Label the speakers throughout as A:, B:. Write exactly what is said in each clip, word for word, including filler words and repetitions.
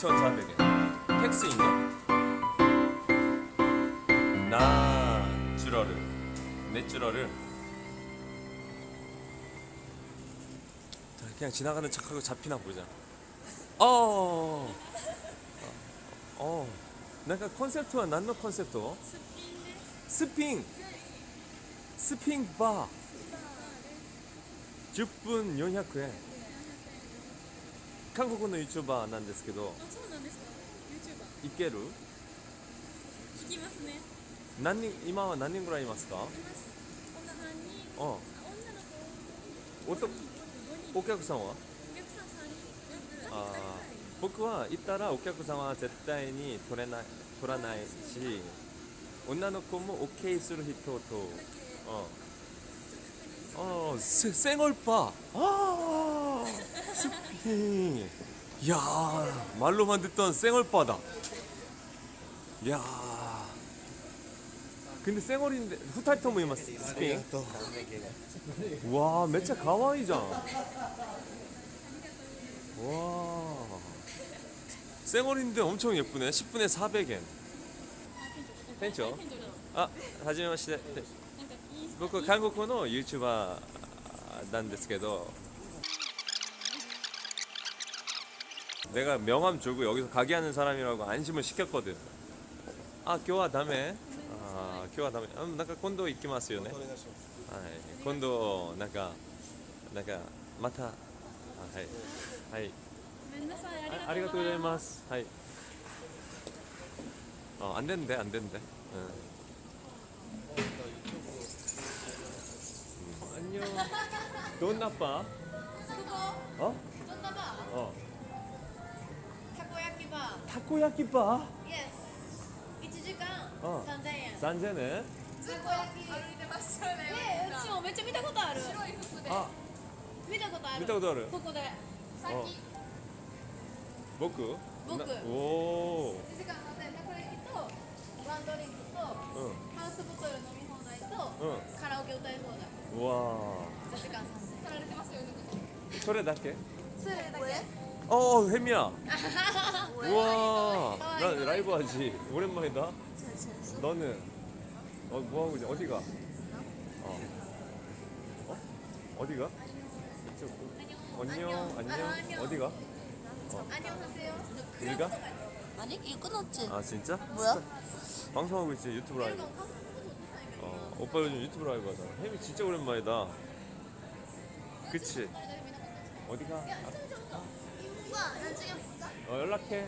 A: 이천사백 엔. 텍스 있나? 나주러를 내주러를 그냥 지나가는 척하고 잡히나 보자. 어, 어, 뭔가 콘셉트와 난노 콘셉트? 스핑, 스핑 바. 십 분 사백 엔. 한국의 유튜버 なんですけど、
B: あ、そうなんですか。YouTuber。
A: いける？
B: 聞きますね。
A: 何人今は何人ぐらいいますか？
B: います。女さんにん。
A: あ、
B: あ、女の子。
A: おとお客さんは？
B: お客さんさんにん。
A: ああ、僕は行ったらお客さんは絶対に取れない取らないし、女の子も OK する人と、어, 어, 생얼바. 아, 스핑. 야, 말로만 듣던 생얼바다. 야. 근데 생얼인데 후타이토 모이마스 스핑. 와, 매차 가와이잖아. 와. 생얼인데 엄청 예쁘네. 십 분에 사백 엔. 팬죠? 아, 하지마시대.僕韓国の YouTuber なんですけど 내가 명함 주고 여기서 가게 하는 사람이라고 안심을 시켰거든. 아, 교화 다음에 아, 교화 다음에 음, 뭔가 콘도 이키마스요ね. 아, 今度なんかなんかまたはいはい。
B: ごめんなさい。
A: あありがとうございます。はい。어, 안 되는데 안 되는데. 응. 안녕. 돈 나빠?
B: ここ
A: 어?
B: どんなバー？
A: 어.
B: たこ焼きバ
A: 타코야키 바?
B: ー。Yes。いちじかん
A: うん
B: さんぜんえん。
A: 三千ね.
B: たこ焼き。歩いてましたね。え、うちもめっちゃ見たことある。白い服で。
A: 아,
B: 見たことある。
A: 見たことある。
B: ここで。さ
A: 어.
B: っき。
A: 僕?
B: 僕。
A: 나- 오.
B: いちじかんさんぜんえん。たこ焼きとワンドリンクと
A: 응.
B: ハウスボトル飲み放題と
A: 응.
B: カラオケ歌い放題。
A: 와.
B: いちじかんさんぜんえん。取られてますよね。
A: それだけ?
B: それだけ。
A: 어, 햄이야. 우와. 나 라이브 하지. 오랜만이다. 너는 어, 뭐 하고 있냐? 어디가? 어. 어? 어디가? 이쪽. 안녕. 안녕. 어디가?
B: 안녕하세요.
A: 우리가?
C: 아니 이거 끊었지.
A: 아, 진짜?
C: 뭐야?
A: 방송하고 있지. 유튜브 라이브. 어, 오빠 요즘 유튜브 라이브 하잖아. 햄이 진짜 오랜만이다. 그치? 어디가? 아, 어, 연락해.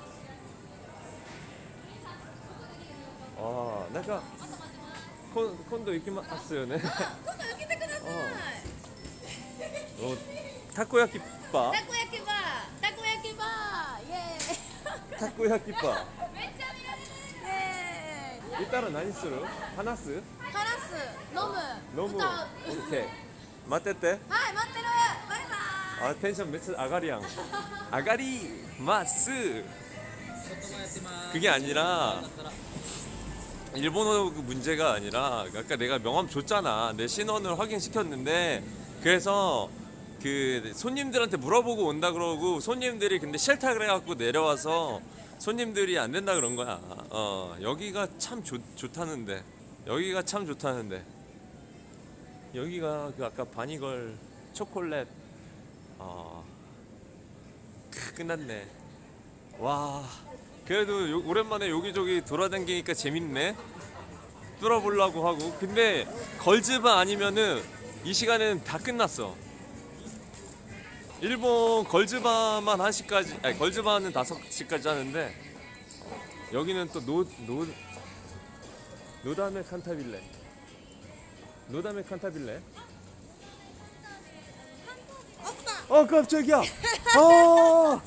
A: 아, 내가 콘, 콘도 이키마스요ね.
B: 今度受けてください。
A: 어, 타코야키 바?
B: たこ焼きバー、たこ焼きバー、イエーイ。
A: 타코야키 바.
B: めっちゃ見られる。イエーイ。
A: 이따라何する? 하나스?
B: 話す、飲む、
A: 너무
B: 歌う。
A: 오케이. 맞댔대?
B: はい、待ってる。バイバイ。
A: 아, 텐션 매치 아가리양. 아가리 마스. 그게 아니라 일본어 그 문제가 아니라 아까 내가 명함 줬잖아. 내 신원을 확인시켰는데 그래서 그 손님들한테 물어보고 온다 그러고 손님들이 근데 싫다 그래갖고 내려와서 손님들이 안 된다 그런 거야. 어, 여기가 참 좋, 좋다는데 여기가 참 좋다는데 여기가 그 아까 바니걸 초콜릿 어, 크, 끝났네. 와, 그래도 요, 오랜만에 여기저기 돌아다니니까 재밌네. 뚫어보려고 하고. 근데 걸즈바 아니면은 이 시간은 다 끝났어. 일본 걸즈바만 한 시까지, 아니 걸즈바는 다섯 시까지 하는데 여기는 또 노, 노, 노다메 칸타빌레. 노다메 칸타빌레. 아, 깜짝이야. 아,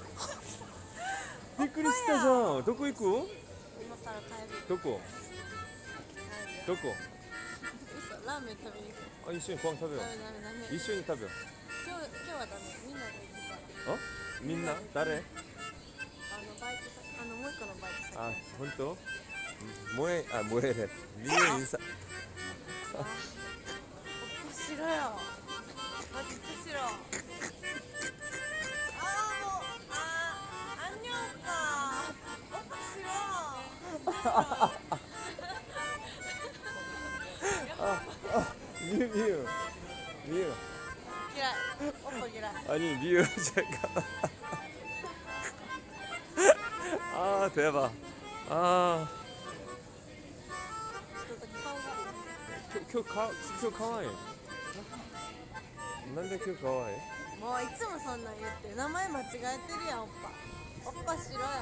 A: びっくりしたじゃん。どこ行く?
C: 今から帰る。
A: どこ? どこ?
C: 嘘、ラーメン食べに行く。
A: 아, 一緒にご飯食べよ
C: ダメダメダメ。
A: う。一緒に食べよ
C: 今日今日はダメ。みんなで行くから。
A: う。어? みんな? 誰?
C: あのバイト先、あのもう一個のバイト先。
A: 아, 本当? 뭐해? 아, 뭐해래. 미래 인사.
C: しろよ。マジしろ。ああもうあー、안녕。
A: 미유 미유 미유.
C: 기라. 오빠 기라.
A: 아니 미유 잠깐. 아 대박. 아. 큐 카, 큐 카와이. 난데 큐 카와이.
C: もういつもそんなん言って名前間違えてるやんおっぱおっぱしろよ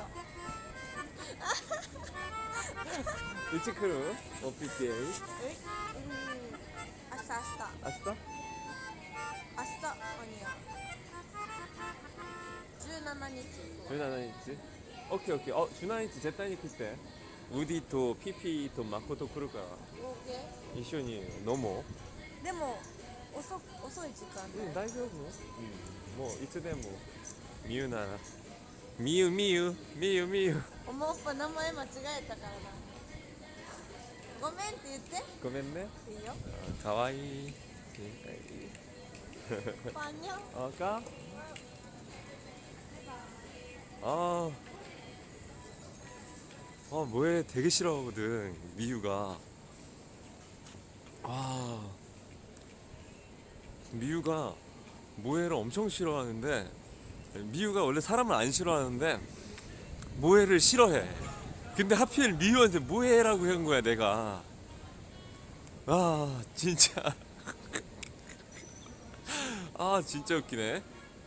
A: 일찍 크루. 오피티에이.
C: えうん明日明日
A: 아시다?
C: 明日何やじゅうしちにち
A: 주나이치. 오케이 오케이. 어 주나이치 제타니 그때. 우디 또 피피 또 마코토 크루가
C: オーケー
A: 이쇼니 너무.
C: でも遅遅い時間
A: 응,
C: で
A: 다이丈夫. 응. 뭐 이츠데모. 미유 나라. 미유 미유 미유 미유.
C: おもおっぱ名前間違えたからなごめんって言って
A: 고멘네.
C: いいよ
A: 아, 가와이. 어,
C: パンニャン
A: 아까? 아. 아, 뭐해 되게 싫어하거든. 미유가. 아. 미유가 모해를 엄청 싫어하는데 미유가 원래 사람을 안 싫어하는데 모해를 싫어해. 근데 하필 미유한테 모해라고 한 거야, 내가. 아, 진짜. 아, 진짜 웃기네.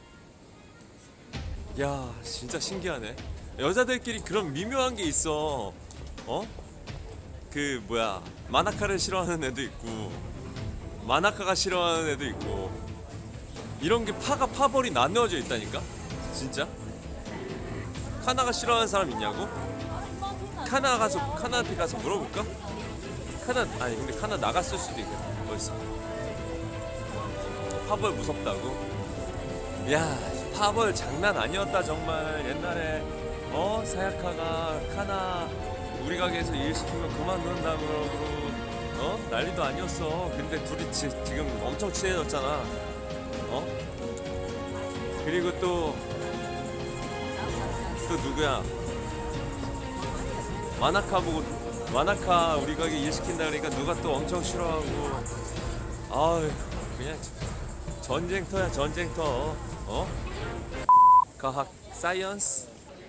A: 야, 진짜 신기하네. 여자들끼리 그런 미묘한 게 있어. 어? 그 뭐야, 마나카를 싫어하는 애도 있고 마나카가 싫어하는 애도 있고 이런 게 파가 파벌이 나누어져 있다니까. 진짜. 카나가 싫어하는 사람 있냐고? 카나 가서 카나한테 가서 물어볼까? 카나 아니 근데 카나 나갔을 수도 있겠다. 벌써 파벌 무섭다고? 야 파벌 장난 아니었다 정말. 옛날에 어 사야카가 카나 우리 가게에서 일 시키면 그만둔다 그러고 어 난리도 아니었어. 근데 둘이 지, 지금 엄청 친해졌잖아. 어 그리고 또 또 누구야? 마나카 보고 마나카 우리 가게 일 시킨다 그러니까 누가 또 엄청 싫어하고. 아유 그냥 전쟁터야 전쟁터. 어? 과학 사이언스.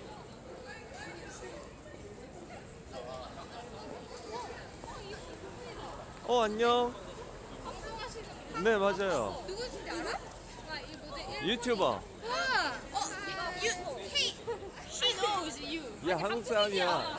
A: 어 안녕. 네 맞아요.
B: 누구신지 알아? 나 이 모델
A: 유튜버.
B: 와! 어, 유, 헤이, she knows you.
A: 야 한국 사람이야.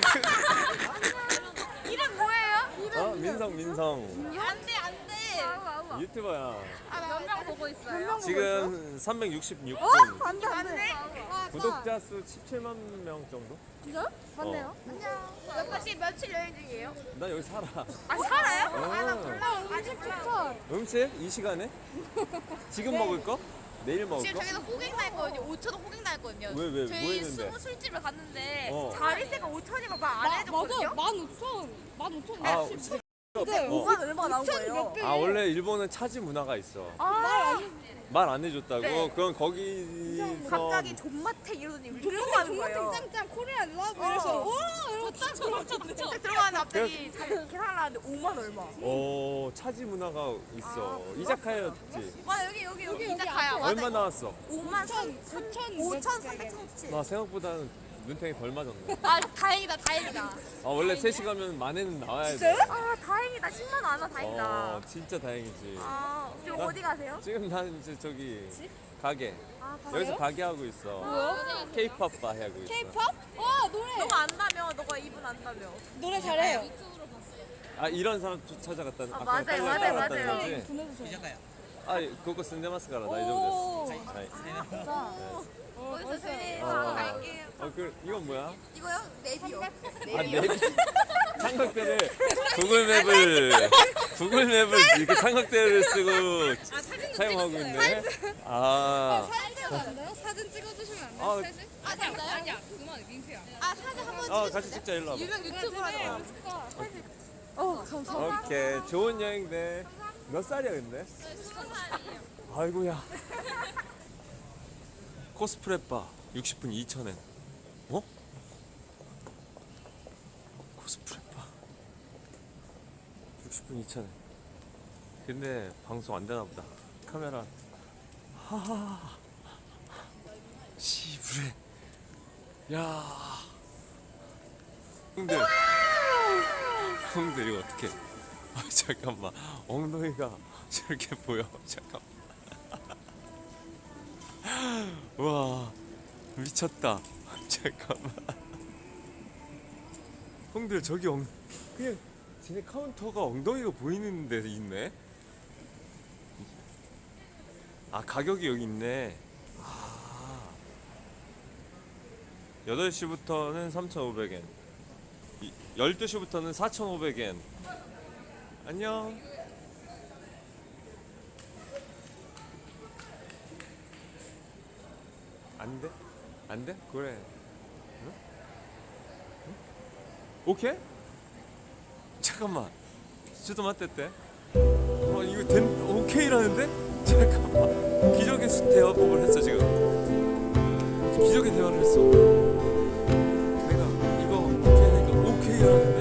B: 이름 뭐예요?
A: 어 민성 민성.
B: 안 돼, 안 돼.
A: 유튜버야.
B: 몇 명 보고 있어요?
A: 지금 삼백육십육 분.
C: 안돼 안돼
A: 구독자 수 십칠만 명 정도?
C: 진짜요?
A: 맞네요.
B: 몇 번씩 며칠 여행 중이에요?
A: 나 여기 살아.
B: 아, 살아요?
A: 어.
B: 아, 나 몰라. 아직 몰라.
A: 음식 이 시간에? 지금 먹을 거? 내일 먹을
B: 지금
A: 거?
B: 저기서 호갱 나했거든요. 오천 원 호갱 나했거든요.
A: 왜, 왜,
B: 저희
A: 뭐 했는데?
B: 스무 술집을 갔는데
A: 어.
B: 자리세가 오천이면 말 안 해줬거든요.
D: 만 오천, 만 오천.
A: 아, 진짜?
C: 근데
A: 어.
C: 오만 얼마 나온 거예요?
A: 아 원래 일본은 차지 문화가 있어.
B: 아,
A: 말 안 해줬다고?
B: 네.
A: 그럼 거기서
B: 갑자기 존맛탱 이러더니 우리
D: 그래서
B: 들어가는 거예요.
D: 짱짱 코리안 러브 이래서 와 이러고 딱 들어갔잖아.
B: 진짜 들어가는데 갑자기 잘 계산하는데 오만 얼마.
A: 어 차지 문화가 있어. 이자카야였지.
B: 와 여기 여기 여기
D: 여기
B: 이자카야.
D: 앞에.
A: 얼마 나왔어?
B: 오만 삼
D: 오천,
B: 오천 삼백삼십칠.
A: 나 생각보다는 눈탱이 덜 맞았네.
B: 아 다행이다 다행이다.
A: 아 원래 셋이 가면 만에는 나와야 돼.
B: 아 다행이다 십만 원 안 와 다행이다.
A: 어 진짜 다행이지.
B: 아 지금
A: 나-
B: 어디 가세요?
A: 지금 난 이제 저기 가게.
B: 아
A: 여기서 가게 하고 있어.
D: 뭐요?
A: K-팝 바 하고 있어.
D: K-pop? 와 노래.
B: 너가 안다며 너가 이분 안다며.
D: 노래 잘해요.
A: 아 이런 사람 쫓- 찾아갔다는.
B: 아,
A: 아까
B: 맞아요,
A: 빨리
B: 맞아요,
A: 따라갔다는
B: 맞아요.
A: 거지?
D: 보내주세요.
A: 아 그거 쓴데마스카라 나
D: 오.
A: 이정도 됐어.
B: 어디서 세
A: 어.
B: 아, 갈게요.
A: 어, 그 이건 뭐야?
B: 이거요? 네비요.
A: 아, 내비 삼각대를 구글 맵을 구글 맵을 이렇게 삼각대를 쓰고 사용하고 있네. 아,
D: 사진 찍어도 안 돼요? 사진 찍어주시면 안 돼요?
A: 아,
D: 셋이? 아 진짜? 아니야 그만 민폐야.
B: 아 사진 한번
A: 어 같이 찍자 일로 와봐.
B: 유명 유튜버라서.
D: 어 감사합니다.
A: 오케이 좋은 여행 돼. 몇 살이야 근데? 아이고야. 코스프레 바 육십 분 이천 엔. 어? 오십 분 이천 원. 근데 방송 안 되나 보다. 카메라. 하하. 시부레. 야. 형들. 형들 이거 어떡해. 아, 잠깐만. 엉덩이가 저렇게 보여. 잠깐만. 와. 미쳤다. 잠깐만. 형들 저기 엉 그냥 쟤네 카운터가 엉덩이가 보이는 데 있네. 아 가격이 여기 있네. 아 여덟 시부터는 삼천오백 엔, 열두 시부터는 사천오백 엔. 안녕. 안 돼? 안 돼? 그래. 응? 응? 오케이? 잠깐만. 저도 맞댔대. 어 이거 된 오케이라는데? 잠깐만. 기적의 수 대화법을 했어 지금. 기적의 대화를 했어. 내가 이거 오케이 하니까 오케이라는데.